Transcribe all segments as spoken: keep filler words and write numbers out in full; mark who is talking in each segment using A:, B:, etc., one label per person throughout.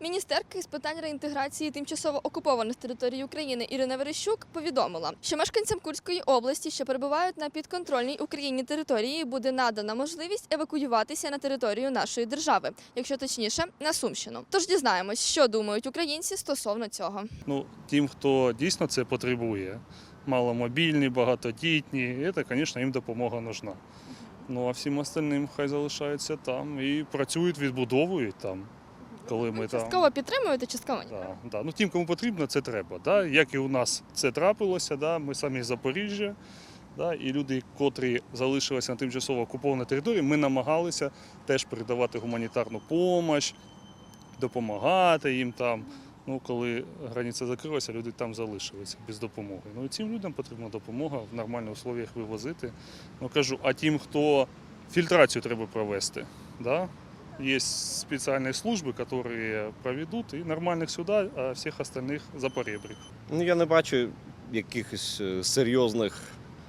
A: Міністерка з питань реінтеграції тимчасово окупованих територій України Ірина Верещук повідомила, що мешканцям Курської області, що перебувають на підконтрольній Україні території, буде надана можливість евакуюватися на територію нашої держави, якщо точніше, на Сумщину. Тож дізнаємось, що думають українці стосовно цього.
B: Ну, тим, хто дійсно це потребує, маломобільні, багатодітні, це, звісно, їм допомога нужна. Ну, а всім остальним хай залишаються там і працюють, відбудовують там. Коли ми
A: Частково
B: там...
A: підтримуєте, частково ні?
B: Да, да. Ну, тим, кому потрібно, це треба. Да? Як і у нас це трапилося, да? Ми самі з Запоріжжя, да? І люди, котрі залишилися на тимчасово окупованій території, ми намагалися теж передавати гуманітарну допомогу, допомагати їм там. Ну, коли границя закрилася, люди там залишилися без допомоги. Ну, і цим людям потрібна допомога в нормальних условиях вивозити. Ну, кажу, а тим, хто фільтрацію треба провести, да? Є спеціальні служби, які проведуть і нормальних сюди, а всіх остальних за поребрик.
C: Ну, я не бачу якихось серйозних,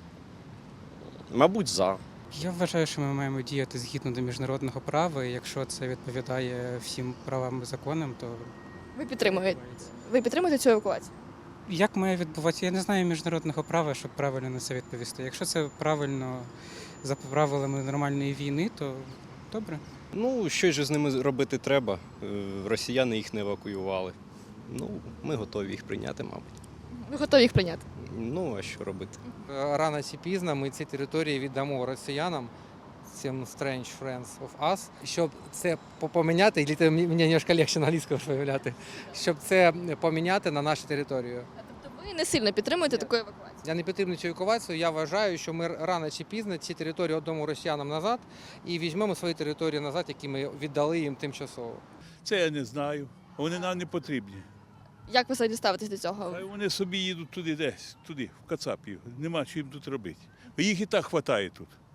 C: мабуть, за.
D: Я вважаю, що ми маємо діяти згідно до міжнародного права, і якщо це відповідає всім правам і законам, то
A: Ви підтримуєте? Ви підтримуєте цю евакуацію?
D: як має відбуватися? Я не знаю міжнародного права, щоб правильно на це відповісти. Якщо це правильно за правилами нормальної війни, то добре.
C: Ну, щось же з ними робити треба. Е, Росіяни їх не евакуювали. Ну, ми готові їх прийняти, мабуть.
A: Ви готові їх прийняти?
C: Ну, а що робити?
E: Рано чи пізно ми ці території віддамо росіянам, цим strange friends of us, щоб це поміняти, і мені немножко легше на англійському виявляти, щоб це поміняти на нашу територію.
A: Тобто ви не сильно підтримуєте таку евакуацію?
E: Я не підтримую цю евакуацію, я вважаю, що ми рано чи пізно ці території віддамо росіянам назад і візьмемо свої території назад, які ми віддали їм тимчасово.
F: Це я не знаю. Вони нам не потрібні.
A: Як ви взагалі ставитесь до цього?
F: Хай вони собі їдуть туди десь, туди, в Кацапів. Нема чим тут робити. Їх і так вистачає тут.